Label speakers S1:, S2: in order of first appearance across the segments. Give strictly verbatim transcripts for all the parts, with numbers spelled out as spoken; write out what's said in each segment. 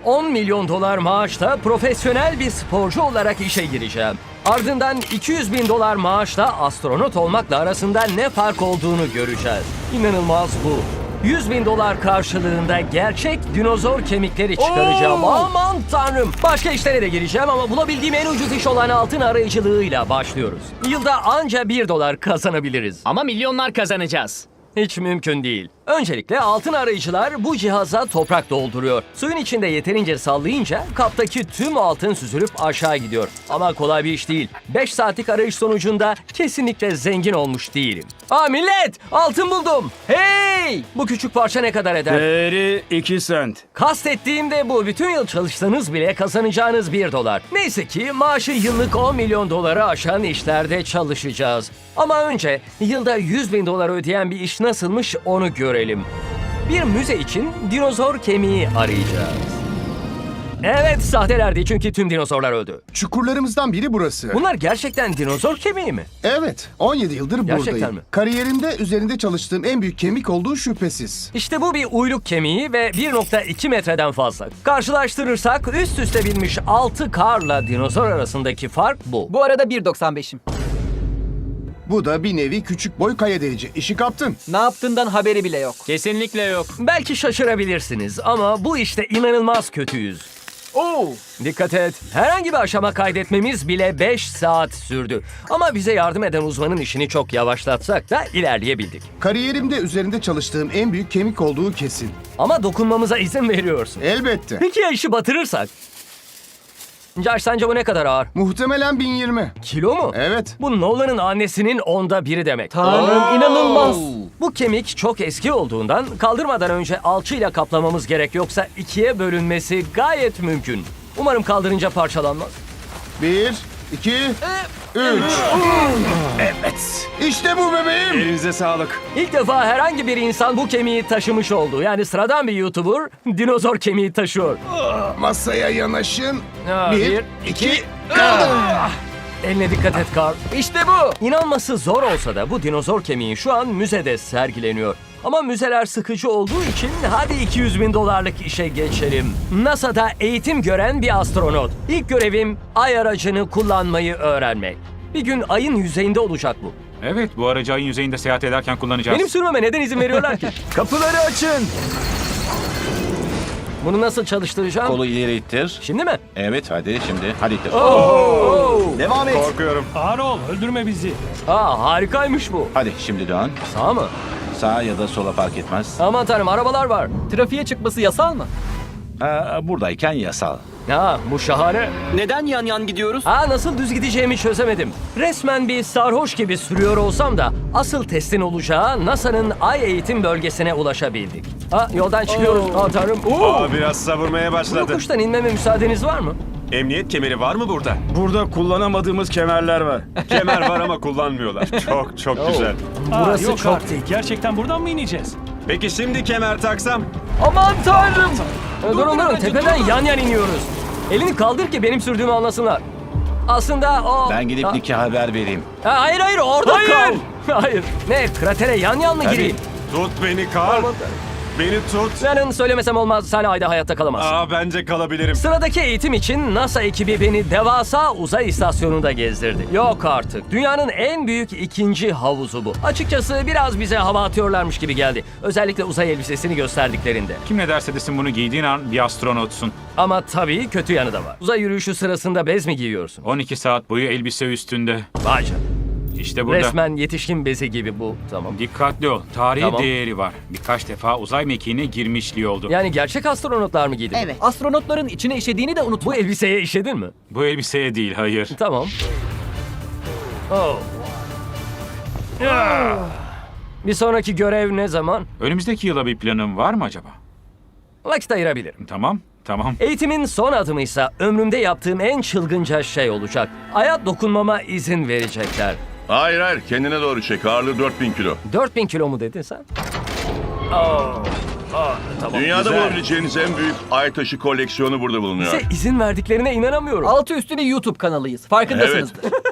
S1: on milyon dolar maaşla profesyonel bir sporcu olarak işe gireceğim. Ardından iki yüz bin dolar maaşla astronot olmakla arasında ne fark olduğunu göreceğiz. İnanılmaz bu. yüz bin dolar karşılığında gerçek dinozor kemikleri çıkaracağım.
S2: Oo!
S1: Aman tanrım. Başka işlere de gireceğim ama bulabildiğim en ucuz iş olan altın arayıcılığıyla başlıyoruz. Yılda anca bir dolar kazanabiliriz.
S2: Ama milyonlar kazanacağız.
S1: Hiç mümkün değil. Öncelikle altın arayıcılar bu cihaza toprak dolduruyor. Suyun içinde yeterince sallayınca kaptaki tüm altın süzülüp aşağı gidiyor. Ama kolay bir iş değil. beş saatlik arayış sonucunda kesinlikle zengin olmuş değilim. Aa millet! Altın buldum! Hey! Bu küçük parça ne kadar eder?
S3: Değeri iki sent.
S1: Kastettiğim de bu. Bütün yıl çalışsanız bile kazanacağınız bir dolar. Neyse ki maaşı yıllık on milyon doları aşan işlerde çalışacağız. Ama önce yılda yüz bin dolar ödeyen bir iş nasılmış onu görelim. Bir müze için dinozor kemiği arayacağız. Evet, sahtelerdi çünkü tüm dinozorlar öldü.
S4: Çukurlarımızdan biri burası.
S1: Bunlar gerçekten dinozor kemiği mi?
S4: Evet, on yedi yıldır
S1: Gerçekten
S4: buradayım.
S1: mi?
S4: Kariyerimde üzerinde çalıştığım en büyük kemik olduğu şüphesiz.
S1: İşte bu bir uyluk kemiği ve bir nokta iki metreden fazla. Karşılaştırırsak üst üste binmiş altı karla dinozor arasındaki fark bu.
S5: Bu arada bir doksan beşim.
S4: Bu da bir nevi küçük boy kaya delici. İşi kaptın.
S5: Ne yaptığından haberi bile yok.
S2: Kesinlikle yok.
S1: Belki şaşırabilirsiniz ama bu işte inanılmaz kötüyüz.
S5: Oo!
S1: Dikkat et. Herhangi bir aşama kaydetmemiz bile beş saat sürdü. Ama bize yardım eden uzmanın işini çok yavaşlatsak da ilerleyebildik.
S4: Kariyerimde üzerinde çalıştığım en büyük kemik olduğu kesin.
S1: Ama dokunmamıza izin veriyorsun.
S4: Elbette.
S1: Peki ya işi batırırsak? Josh, sence bu ne kadar ağır?
S4: Muhtemelen bin yirmi.
S1: Kilo mu?
S4: Evet.
S1: Bu Nolan'ın annesinin onda biri demek.
S5: Tanrım inanılmaz.
S1: Bu kemik çok eski olduğundan kaldırmadan önce alçıyla kaplamamız gerek, yoksa ikiye bölünmesi gayet mümkün. Umarım kaldırınca parçalanmaz.
S4: Bir, iki, üç. Evet. İşte bu bebeğim.
S3: Elinize sağlık.
S1: İlk defa herhangi bir insan bu kemiği taşımış oldu. Yani sıradan bir YouTuber dinozor kemiği taşıyor.
S4: Masaya yanaşın.
S1: Ha,
S4: Bir,
S1: bir,
S4: iki,
S1: Eline dikkat et Carl.
S5: İşte bu.
S1: İnanması zor olsa da bu dinozor kemiği şu an müzede sergileniyor. Ama müzeler sıkıcı olduğu için hadi iki yüz bin dolarlık işe geçelim. NASA'da eğitim gören bir astronot. İlk görevim ay aracını kullanmayı öğrenmek. Bir gün ayın yüzeyinde olacak bu.
S6: Evet, bu aracı ayın yüzeyinde seyahat ederken kullanacağız.
S1: Benim sürmeme neden izin veriyorlar ki?
S3: Kapıları açın.
S1: Bunu nasıl çalıştıracağım?
S7: Kolu ileri ittir.
S1: Şimdi mi?
S7: Evet hadi şimdi. Hadi ittir.
S3: Devam et.
S7: Korkuyorum.
S1: Aa, harikaymış bu.
S7: Hadi şimdi dön.
S1: Sağ mı?
S7: Sağa ya da sola fark etmez.
S1: Aman tanrım, arabalar var.
S5: Trafiğe çıkması yasal mı?
S7: Aa, buradayken yasal.
S1: Ha, bu şahane.
S5: Neden yan yan gidiyoruz?
S1: Aa, nasıl düz gideceğimi çözemedim. Resmen bir sarhoş gibi sürüyor olsam da asıl testin olacağı NASA'nın ay eğitim bölgesine ulaşabildik. Ha, yoldan çıkıyoruz. Aa tanrım. Oo.
S8: Aa, biraz savurmaya
S1: Bu
S8: başladı.
S1: yokuştan inmeme müsaadeniz var mı?
S8: Emniyet kemeri var mı burada?
S3: Burada kullanamadığımız kemerler var.
S8: Kemer var ama kullanmıyorlar. Çok çok güzel.
S1: Burası çok tehlikeli.
S9: Gerçekten buradan mı ineceğiz?
S8: Peki şimdi kemer taksam?
S5: Aman tanrım.
S1: Durun durun, tepeden yan yan iniyoruz. Elini kaldır ki benim sürdüğümü anlasınlar. Aslında o...
S7: Ben gidip
S1: Ha-
S7: Nick'e haber vereyim.
S1: Ha, hayır hayır, orada
S9: Hayır.
S1: kal. Hayır. Ne, kratere yan yan mı
S7: Tabii.
S1: gireyim?
S8: Tut beni Karl. Beni tut.
S1: Senin söylemesem olmaz, sen ayda hayatta kalamazsın.
S8: Aa, bence kalabilirim.
S1: Sıradaki eğitim için NASA ekibi beni devasa uzay istasyonunda gezdirdi. Yok artık. Dünyanın en büyük ikinci havuzu bu. Açıkçası biraz bize hava atıyorlarmış gibi geldi. Özellikle uzay elbisesini gösterdiklerinde.
S6: Kim ne derse desin bunu giydiğin an bir astronotsun.
S1: Ama tabii kötü yanı da var. Uzay yürüyüşü sırasında bez mi giyiyorsun?
S6: on iki saat boyu elbise üstünde.
S1: Vay canına.
S6: İşte burada.
S1: Resmen yetişkin bezi gibi bu. Tamam.
S6: Dikkatli ol. Tarihi
S1: Tamam.
S6: değeri var. Birkaç defa uzay mekiğine girmişliği oldu.
S1: Yani gerçek astronotlar mı giydi?
S5: Evet. Astronotların içine işediğini de unutma.
S1: Bu elbiseye işedin mi?
S6: Bu elbiseye değil, hayır.
S1: Tamam. Oh. Ah. Bir sonraki görev ne zaman?
S6: Önümüzdeki yıla bir planın var mı acaba?
S1: Vakit ayırabilirim.
S6: Tamam, tamam.
S1: Eğitimin son adımıysa ömrümde yaptığım en çılgınca şey olacak. Aya dokunmama izin verecekler.
S10: Hayır hayır kendine doğru çek. Ağırlığı dört bin kilo.
S1: dört bin kilo mu dedin sen? Oh. Oh, tamam.
S10: Dünyada
S1: Güzel.
S10: bulabileceğiniz en büyük ay taşı koleksiyonu burada bulunuyor.
S1: Bize izin verdiklerine inanamıyorum.
S5: Altı üstüne YouTube kanalıyız. Farkındasınızdır.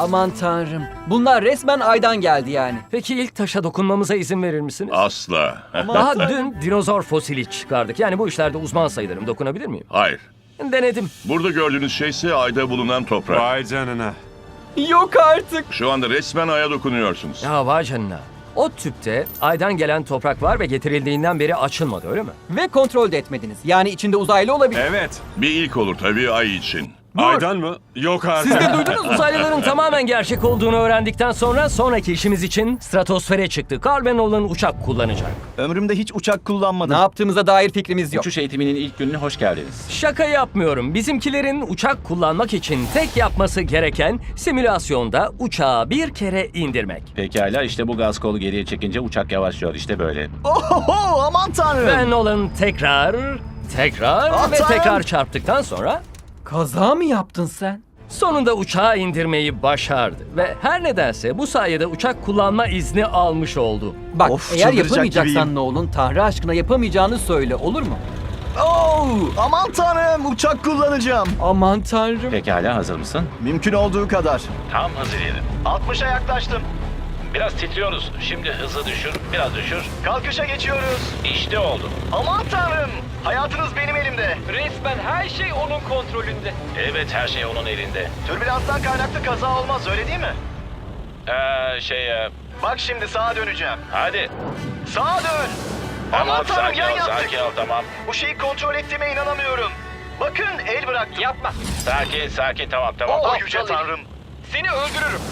S5: Aman tanrım. Bunlar resmen aydan geldi yani.
S1: Peki ilk taşa dokunmamıza izin verir misiniz?
S10: Asla.
S1: Daha dün dinozor fosili çıkardık. Yani bu işlerde uzman sayılırım. Dokunabilir miyim?
S10: Hayır.
S1: Denedim.
S10: Burada gördüğünüz şey ise ayda bulunan toprak.
S8: Vay canına.
S5: Yok artık.
S10: Şu anda resmen aya dokunuyorsunuz.
S1: Ya vay canına. O tüpte aydan gelen toprak var ve getirildiğinden beri açılmadı, öyle mi?
S5: Ve kontrol de etmediniz. Yani içinde uzaylı olabilir.
S8: Evet.
S10: Bir ilk olur tabii ay için.
S8: Aydan mı? Yok artık.
S5: Siz de duydunuz mu?
S1: Uzaylıların tamamen gerçek olduğunu öğrendikten sonra sonraki işimiz için stratosfere çıktı. Carl ve Nolan uçak kullanacak.
S3: Ömrümde hiç uçak
S5: Ne
S3: kullanmadım.
S5: yaptığımıza dair fikrimiz yok.
S7: Uçuş eğitiminin ilk gününe hoş geldiniz.
S1: Şaka yapmıyorum. Bizimkilerin uçak kullanmak için tek yapması gereken simülasyonda uçağı bir kere indirmek.
S7: Pekala, işte bu gaz kolu geriye çekince uçak yavaşlıyor. İşte böyle.
S3: Oho, aman tanrım.
S1: Ve Nolan tekrar, tekrar ve
S3: Atam!
S1: tekrar çarptıktan sonra
S5: Kaza mı yaptın sen?
S1: sonunda uçağı indirmeyi başardı. Ve her nedense bu sayede uçak kullanma izni almış oldu.
S5: Bak,
S3: Of,
S5: eğer
S3: çıldıracak
S5: yapamayacaksan
S3: gibiyim.
S5: ne olun, Tanrı aşkına yapamayacağını söyle, olur mu?
S3: Oo, aman tanrım, uçak kullanacağım.
S5: Aman tanrım.
S7: Pekala, hazır mısın?
S3: Mümkün olduğu kadar.
S7: Tam hız ileri.
S3: altmışa yaklaştım.
S7: Biraz titriyoruz. Şimdi hızı düşür, biraz düşür.
S3: Kalkışa geçiyoruz.
S7: İşte oldu.
S3: Aman tanrım. Hayatınız benim elimde.
S5: Resmen her şey onun kontrolünde.
S7: Evet, her şey onun elinde.
S3: Türbülanstan kaynaklı kaza olmaz, öyle değil mi?
S7: Ee, şey...
S3: Bak şimdi sağa döneceğim.
S7: hadi.
S3: Sağa dön. Aman tanrım, yan yaptık.
S7: ol, tamam.
S3: Bu şeyi kontrol ettiğime inanamıyorum. Bakın, el bıraktım.
S5: Yapma.
S7: Sakin, sakin, tamam, tamam.
S3: Oh yüce tanrım.
S5: Seni öldürürüm.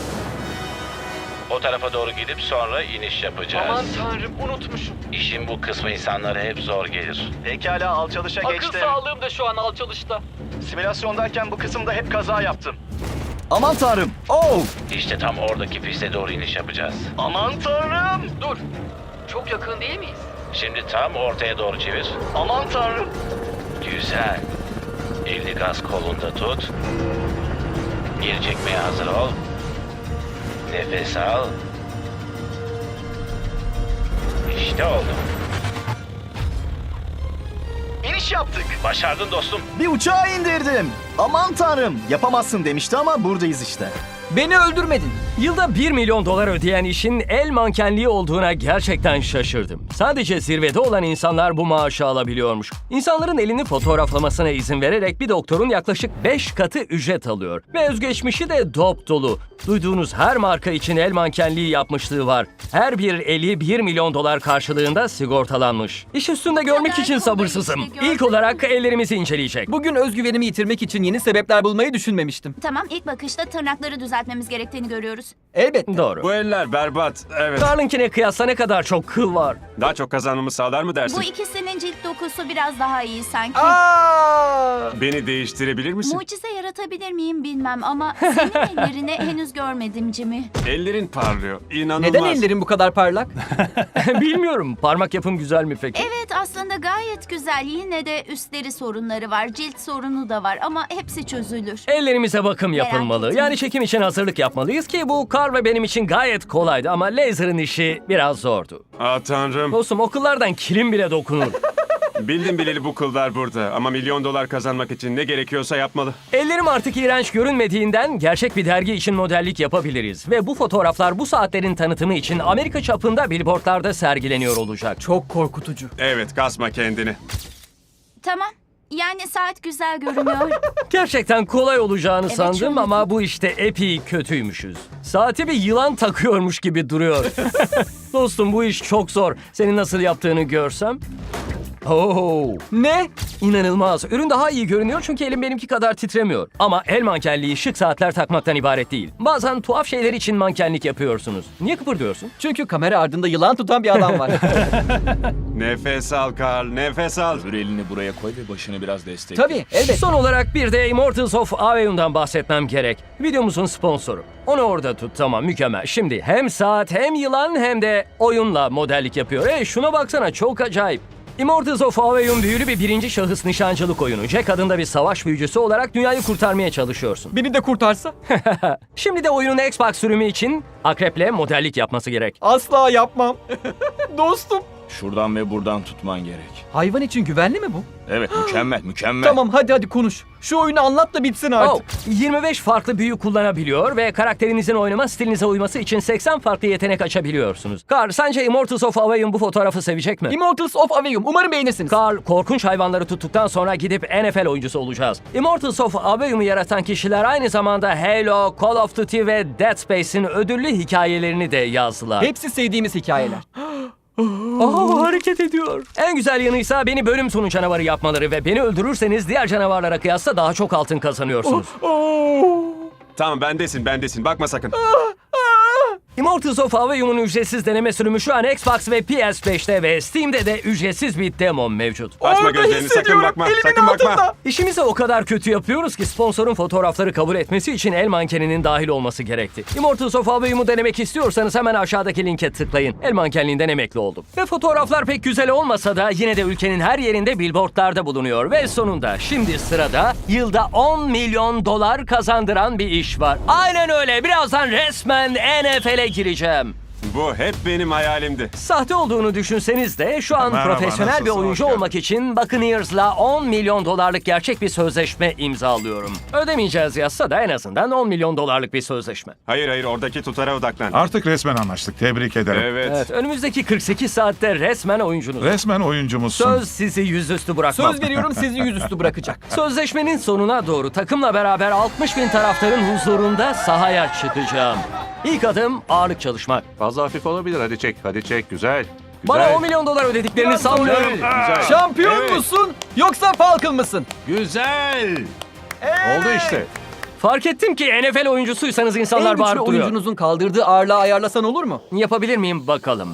S7: O tarafa doğru gidip sonra iniş yapacağız.
S5: tanrım, unutmuşum.
S7: İşin bu kısmı insanlara hep zor gelir.
S3: Pekala, alçalışa geçtim.
S5: sağlığım da şu an alçalışta.
S3: Simülasyondayken bu kısımda hep kaza yaptım. Aman tanrım. Oh!
S7: İşte tam oradaki piste doğru iniş yapacağız.
S3: Aman tanrım.
S5: Dur. Çok yakın değil miyiz?
S7: Şimdi tam ortaya doğru çevir.
S3: Aman tanrım.
S7: Güzel. Elini gaz kolunda tut. Geri çekmeye hazır ol. Nefes al. İşte oldu.
S3: İniş yaptık.
S7: Başardın dostum.
S3: Bir uçağı indirdim. Aman tanrım. Yapamazsın demişti ama buradayız işte.
S5: Beni öldürmedin.
S1: Yılda bir milyon dolar ödeyen işin el mankenliği olduğuna gerçekten şaşırdım. Sadece zirvede olan insanlar bu maaşı alabiliyormuş. İnsanların elini fotoğraflamasına izin vererek bir doktorun yaklaşık beş katı ücret alıyor. Ve özgeçmişi de dop dolu. Duyduğunuz her marka için el mankenliği yapmışlığı var. Her bir eli bir milyon dolar karşılığında sigortalanmış. İş üstünde görmek
S9: kadar
S1: için
S9: kolay
S1: sabırsızım.
S9: işte, gördün
S1: İlk olarak ellerimizi inceleyecek.
S5: Bugün özgüvenimi yitirmek için yeni sebepler bulmayı düşünmemiştim.
S9: Tamam, ilk bakışta tırnakları düzeltmemiz gerektiğini görüyoruz.
S5: Elbette.
S1: Doğru.
S8: Bu eller berbat. Evet.
S1: Carl'ınkine kıyasla ne kadar çok kıl var.
S8: Daha çok kazanmamı sağlar mı dersin?
S9: Bu ikisinin cilt dokusu biraz daha iyi sanki.
S5: Aa!
S8: Beni değiştirebilir misin?
S9: Mucize yaratabilir miyim bilmem ama senin ellerini henüz görmedim Jimmy.
S8: Ellerin parlıyor. İnanılmaz.
S5: Neden ellerin bu kadar parlak?
S1: Bilmiyorum. Parmak yapım güzel mi peki?
S9: Evet, aslında gayet güzel. Yine de üstleri sorunları var, cilt sorunu da var ama hepsi çözülür.
S1: Ellerimize bakım
S9: Merak
S1: yapılmalı.
S9: etme.
S1: Yani çekim için hazırlık yapmalıyız ki bu Carl ve benim için gayet kolaydı ama laser'ın işi biraz zordu.
S8: Ah tanrım.
S1: Dostum okullardan kilim bile dokunur.
S8: Bildim bileli bu kıllar burada. Ama milyon dolar kazanmak için ne gerekiyorsa yapmalı.
S1: Ellerim artık iğrenç görünmediğinden gerçek bir dergi için modellik yapabiliriz. Ve bu fotoğraflar bu saatlerin tanıtımı için Amerika çapında billboardlarda sergileniyor olacak.
S5: Çok korkutucu.
S8: Evet, kasma kendini.
S9: Tamam, yani saat güzel görünüyor.
S1: Gerçekten kolay olacağını
S9: Evet,
S1: sandım
S9: şöyle
S1: ama bu işte epey kötüymüşüz. Saate bir yılan takıyormuş gibi duruyor. Dostum bu iş çok zor. Senin nasıl yaptığını görsem. Oo.
S5: Ne?
S1: İnanılmaz. Ürün daha iyi görünüyor çünkü elim benimki kadar titremiyor. Ama el mankenliği şık saatler takmaktan ibaret değil. Bazen tuhaf şeyler için mankenlik yapıyorsunuz. Niye kıpırdıyorsun?
S5: Çünkü kamera ardında yılan tutan bir adam var.
S8: Nefes al Carl, nefes al.
S11: Öbür elini buraya koy ve başını biraz destekle.
S5: Tabii, elbette.
S1: Son olarak bir de Immortals of Aveum'dan bahsetmem gerek. Videomuzun sponsoru. Onu orada tut, tamam, mükemmel. Şimdi hem saat hem yılan hem de oyunla modellik yapıyor. Hey şuna baksana, çok acayip. Immortals of Aveum büyülü bir birinci şahıs nişancılık oyunu. Jack adında bir savaş büyücüsü olarak dünyayı kurtarmaya çalışıyorsun.
S5: Beni de kurtarsa?
S1: Şimdi de oyunun Xbox sürümü için Akrep'le modellik yapması gerek.
S5: Asla yapmam. Dostum,
S11: Şuradan ve buradan tutman gerek.
S5: Hayvan için güvenli mi bu?
S11: Evet, mükemmel, mükemmel.
S5: Tamam hadi hadi konuş. Şu oyunu anlat da bitsin artık.
S1: Oh, yirmi beş farklı büyü kullanabiliyor ve karakterinizin oynama stilinize uyması için seksen farklı yetenek açabiliyorsunuz. Carl, sence Immortals of Aveum bu fotoğrafı sevecek mi?
S5: Immortals of Aveum. Umarım beğenirsiniz.
S1: Carl, korkunç hayvanları tuttuktan sonra gidip N F L oyuncusu olacağız. Immortals of Aveum'u yaratan kişiler aynı zamanda Halo, Call of Duty ve Dead Space'in ödüllü hikayelerini de yazdılar.
S5: Hepsi sevdiğimiz hikayeler.
S1: Aa, hareket ediyor. En güzel yanıysa beni bölüm sonu canavarı yapmaları ve beni öldürürseniz diğer canavarlara kıyasla daha çok altın kazanıyorsunuz.
S8: Tamam bendesin bendesin bakma sakın.
S1: Immortals of Aveum'un ücretsiz deneme sürümü şu an Xbox ve P S beşte ve Steam'de de ücretsiz bir demo mevcut.
S8: Açma
S5: Orada
S8: gözlerini sakın
S5: hissediyorum,
S8: bakma
S5: elimin
S8: sakın bakma.
S5: altında.
S1: İşimizi o kadar kötü yapıyoruz ki sponsorun fotoğrafları kabul etmesi için el mankeninin dahil olması gerekti. Immortals of Aveum'u denemek istiyorsanız hemen aşağıdaki linke tıklayın. El mankenliğinden emekli oldum. Ve fotoğraflar pek güzel olmasa da yine de ülkenin her yerinde billboardlarda bulunuyor. Ve sonunda şimdi sırada yılda on milyon dolar kazandıran bir iş var. Aynen öyle. Birazdan resmen N F L'e gireceğim.
S8: Bu hep benim hayalimdi.
S1: Sahte olduğunu düşünseniz de şu an
S10: Merhaba,
S1: profesyonel bir
S10: nasılsın?
S1: oyuncu
S10: Hoş
S1: olmak için Buccaneers'la on milyon dolarlık gerçek bir sözleşme imzalıyorum. Ödemeyeceğiz yazsa da en azından on milyon dolarlık bir sözleşme.
S8: Hayır hayır oradaki tutara odaklan.
S10: Artık resmen anlaştık. Tebrik ederim.
S8: Evet.
S1: Evet, önümüzdeki kırk sekiz saatte resmen oyuncunuz.
S10: Resmen oyuncumuzsun.
S1: Söz sizi yüzüstü bırakmam.
S5: Söz veriyorum sizi yüzüstü bırakacak.
S1: Sözleşmenin sonuna doğru takımla beraber altmış bin taraftarın huzurunda sahaya çıkacağım. İlk adım ağırlık çalışmak.
S3: Fazla hafif olabilir. Hadi çek. Hadi çek. Güzel.
S1: Bana on milyon dolar ödediklerini sanmıyorum.
S3: Güzel.
S5: Şampiyon
S3: Evet.
S5: musun yoksa Falcon mısın?
S3: Güzel. Oldu işte.
S1: Fark ettim ki N F L oyuncusuysanız
S5: En
S1: insanlar
S5: güçlü
S1: bağırıp duruyor.
S5: oyuncunuzun kaldırdığı ağırlığı ayarlasan olur mu?
S1: Yapabilir miyim bakalım?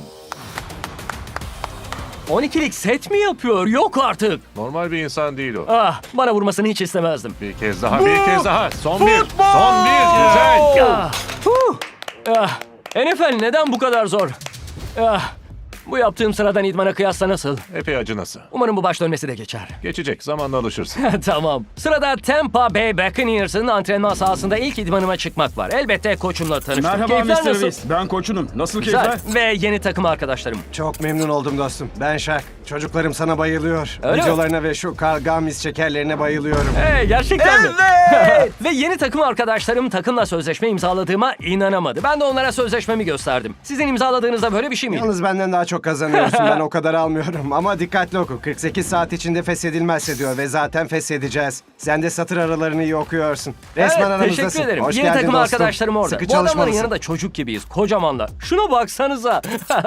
S1: on ikilik set mi yapıyor? Yok artık.
S3: Normal bir insan değil o.
S1: Ah, bana vurmasını hiç istemezdim.
S3: Bir kez daha, bir kez daha. Son bir. Son bir. Güzel.
S1: Ah, huh. Ah, N F L neden bu kadar zor? Ah, bu yaptığım sıradan idmana kıyasla nasıl?
S3: Epey acınası.
S1: Umarım bu baş dönmesi de geçer.
S3: Geçecek. Zamanla alışırsın.
S1: Tamam. Sırada Tampa Bay Buccaneers'ın antrenman sahasında ilk idmanıma çıkmak var. Elbette koçumla tanıştım. Keyifler nasıl?
S12: Ben koçunum. Nasıl
S1: Güzel. Ve yeni takım arkadaşlarım.
S12: Çok memnun oldum dostum. Ben Şak. Çocuklarım sana bayılıyor.
S1: Öyle mi?
S12: Videolarına ve şu Carl Gamis şekerlerine bayılıyorum.
S1: Hey, gerçekten mi? Ve yeni takım arkadaşlarım takımla sözleşme imzaladığıma inanamadı. Ben de onlara sözleşmemi gösterdim. Sizin imzaladığınızda böyle bir şey miydi?
S12: Yalnız benden daha çok kazanıyorsun. Ben o kadar almıyorum. Ama dikkatli oku. kırk sekiz saat içinde feshedilmezse diyor ve zaten feshedeceğiz. Sen de satır aralarını iyi okuyorsun. Resmen
S1: Evet,
S12: aramızdasın.
S1: teşekkür ederim.
S12: Hoş
S1: Yeni
S12: geldin
S1: takım
S12: dostum.
S1: arkadaşlarım orada.
S12: Sıkı
S1: Bu adamların
S12: çalışmalısın.
S1: yanında çocuk gibiyiz. Kocamanlar. Şuna baksanıza.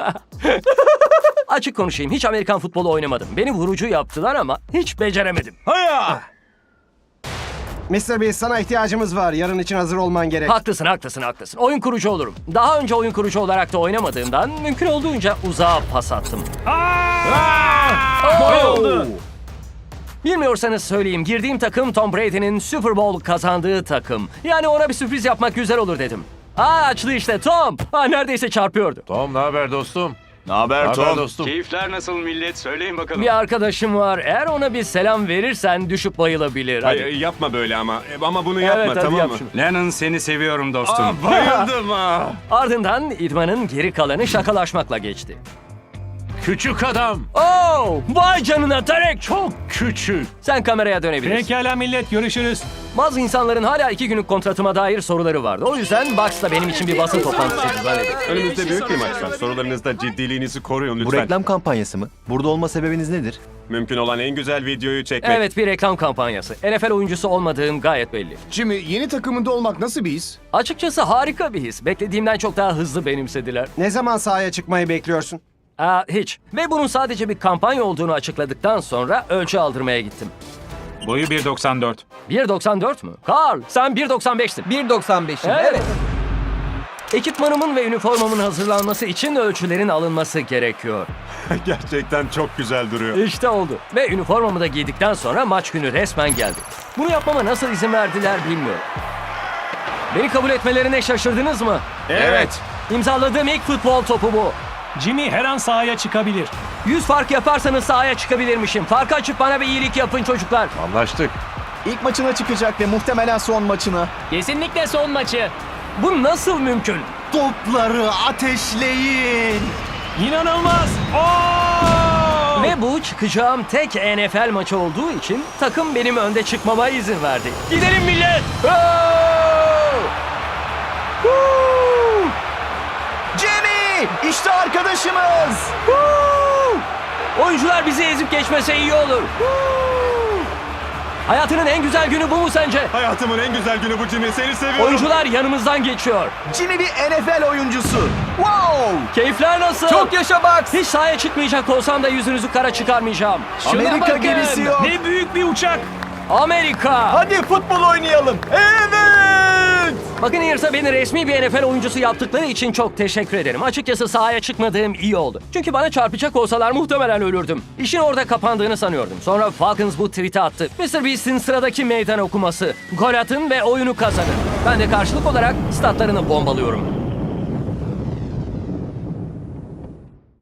S1: Açık konuşayım. Hiç Amerikan futbolu oynamadım. Beni vurucu yaptılar ama hiç beceremedim.
S12: mister Beast sana ihtiyacımız var. Yarın için hazır olman gerek.
S1: Haklısın, haklısın, haklısın. Oyun kurucu olurum. Daha önce oyun kurucu olarak da oynamadığımdan mümkün olduğunca uzağa pas attım. Oh! Bilmiyorsanız söyleyeyim. Girdiğim takım Tom Brady'nin Super Bowl kazandığı takım. Yani ona bir sürpriz yapmak güzel olur dedim. Aa, açtı işte Tom. Aa, neredeyse çarpıyordu.
S3: Tom ne haber dostum?
S11: Ne haber
S3: Ne haber
S11: Tom?
S3: dostum?
S11: Keyifler nasıl millet? Söyleyin bakalım.
S1: Bir arkadaşım var. Eğer ona bir selam verirsen düşüp bayılabilir. Hadi.
S8: Hayır, yapma böyle ama. E, Ama bunu yapma
S1: Evet, hadi
S8: tamam
S1: yap
S8: mı?
S1: şunu.
S11: Lennon seni seviyorum dostum.
S8: Aa, bayıldım ha.
S1: Ardından idmanın geri kalanı şakalaşmakla geçti.
S3: Küçük adam.
S1: Oh, vay canına Tarek, çok
S3: Küçük.
S1: Sen kameraya dönebilirsin.
S2: Pekala millet, görüşürüz.
S1: Bazı insanların hala iki günlük kontratıma dair soruları vardı. O yüzden Bucks da benim için bir basın toplantısı düzenledi.
S8: Önümüzde büyük bir maç var. Sorularınızda ciddiliğinizi koruyun lütfen.
S12: kampanyası mı? Burada olma sebebiniz nedir?
S8: Mümkün olan en güzel videoyu çekmek.
S1: Evet, bir reklam kampanyası. N F L oyuncusu olmadığım gayet belli.
S4: Jimmy, yeni takımında olmak nasıl bir his?
S1: Açıkçası harika bir his. Beklediğimden çok daha hızlı benimsediler.
S12: Ne zaman sahaya çıkmayı bekliyorsun?
S1: Aa, hiç. Ve bunun sadece bir kampanya olduğunu açıkladıktan sonra ölçü aldırmaya gittim.
S6: Boyu bir doksan dört.
S1: bir doksan dört mü? Carl, sen bir doksan beştin.
S5: bir doksan beşim.
S1: Evet.
S5: Evet.
S1: Ekipmanımın ve üniformamın hazırlanması için ölçülerin alınması gerekiyor.
S8: Gerçekten çok güzel duruyor.
S1: İşte oldu. Ve üniformamı da giydikten sonra maç günü resmen geldi. Bunu yapmama nasıl izin verdiler bilmiyorum. Beni kabul etmelerine şaşırdınız mı?
S8: Evet.
S1: İmzaladığım ilk futbol topu bu.
S2: Jimmy her an sahaya çıkabilir.
S1: yüz fark yaparsanız sahaya çıkabilirmişim. Farkı açıp bana bir iyilik yapın çocuklar.
S3: Anlaştık.
S12: İlk maçına çıkacak ve muhtemelen son maçına.
S2: Kesinlikle son maçı.
S1: Bu nasıl mümkün?
S12: Topları ateşleyin.
S2: İnanılmaz. Oo!
S1: Ve bu çıkacağım tek N F L maçı olduğu için takım benim önde çıkmama izin verdi. Gidelim millet! Oh! Woo!
S3: Jimmy! İşte arkadaşımız!
S1: Woo! Oyuncular bizi ezip geçmese iyi olur. Woo! Hayatının en güzel günü bu mu sence?
S8: Hayatımın en güzel günü bu Jimmy. Seni seviyorum.
S1: Oyuncular yanımızdan geçiyor.
S3: Jimmy bir N F L oyuncusu. Wow!
S1: Keyifler nasıl?
S5: Çok yaşa Bucks.
S1: Hiç sahaya çıkmayacak olsam da yüzünüzü kara çıkarmayacağım.
S3: Amerika
S2: bakın.
S3: gemisi yok.
S2: Ne büyük bir uçak.
S1: Amerika!
S5: Hadi futbol oynayalım. Evet.
S1: Buccaneers'a beni resmi bir N F L oyuncusu yaptıkları için çok teşekkür ederim. Açıkçası sahaya çıkmadığım iyi oldu. Çünkü bana çarpacak olsalar muhtemelen ölürdüm. İşin orada kapandığını sanıyordum. Sonra Falcons bu tweet'i attı. mister Beast'in sıradaki meydan okuması. Gol atın ve oyunu kazanın. Ben de karşılık olarak statlarını bombalıyorum.